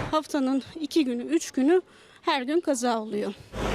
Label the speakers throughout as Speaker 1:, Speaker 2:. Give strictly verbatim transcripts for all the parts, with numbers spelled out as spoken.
Speaker 1: haftanın iki günü, üç günü her gün kaza oluyor.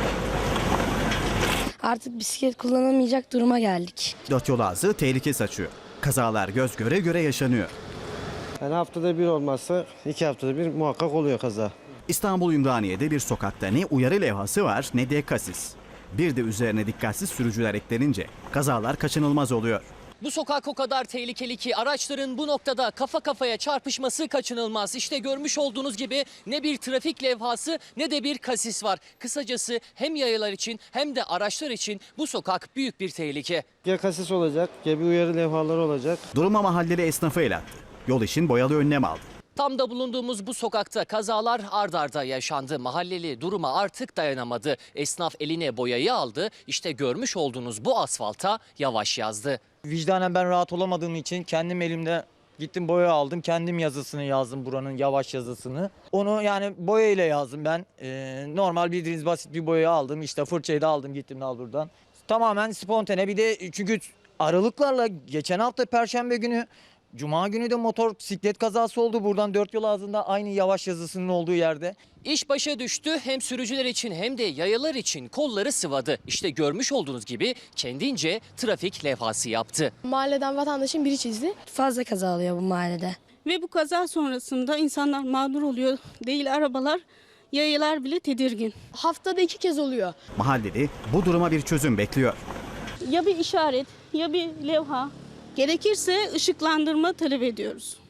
Speaker 2: Artık bisiklet kullanamayacak duruma geldik.
Speaker 3: Dört yol ağzı tehlike saçıyor. Kazalar göz göre göre yaşanıyor.
Speaker 4: Yani haftada bir olmazsa iki haftada bir muhakkak oluyor kaza.
Speaker 3: İstanbul Ümraniye'de bir sokakta ne uyarı levhası var ne de kasis. Bir de üzerine dikkatsiz sürücüler eklenince kazalar kaçınılmaz oluyor.
Speaker 5: Bu sokak o kadar tehlikeli ki araçların bu noktada kafa kafaya çarpışması kaçınılmaz. İşte görmüş olduğunuz gibi ne bir trafik levhası ne de bir kasis var. Kısacası hem yayalar için hem de araçlar için bu sokak büyük bir tehlike.
Speaker 4: Ya kasis olacak ya bir uyarı levhaları olacak.
Speaker 3: Duruma mahalleli esnafı el attı. Yol için boyalı önlem aldı.
Speaker 5: Tam da bulunduğumuz bu sokakta kazalar ard arda yaşandı. Mahalleli duruma artık dayanamadı. Esnaf eline boyayı aldı. İşte görmüş olduğunuz bu asfalta yavaş yazdı.
Speaker 6: Vicdanen ben rahat olamadığım için kendim elimde gittim boya aldım. Kendim yazısını yazdım, buranın yavaş yazısını. Onu yani boya ile yazdım ben. Ee, normal bildiğiniz basit bir boya aldım. İşte fırçayı da aldım, gittim al buradan. Tamamen spontane, bir de çünkü aralıklarla geçen hafta Perşembe günü, Cuma günü de motosiklet kazası oldu. Buradan dört yol ağzında aynı yavaş yazısının olduğu yerde.
Speaker 5: İş başa düştü. Hem sürücüler için hem de yayalar için kolları sıvadı. İşte görmüş olduğunuz gibi kendince trafik levhası yaptı.
Speaker 7: Mahalleden vatandaşın biri çizdi.
Speaker 2: Fazla kaza oluyor bu mahallede.
Speaker 1: Ve bu kaza sonrasında insanlar mağdur oluyor. Değil arabalar, yayalar bile tedirgin.
Speaker 7: Haftada iki kez oluyor.
Speaker 3: Mahalleli bu duruma bir çözüm bekliyor.
Speaker 1: Ya bir işaret ya bir levha, gerekirse ışıklandırma talep ediyoruz.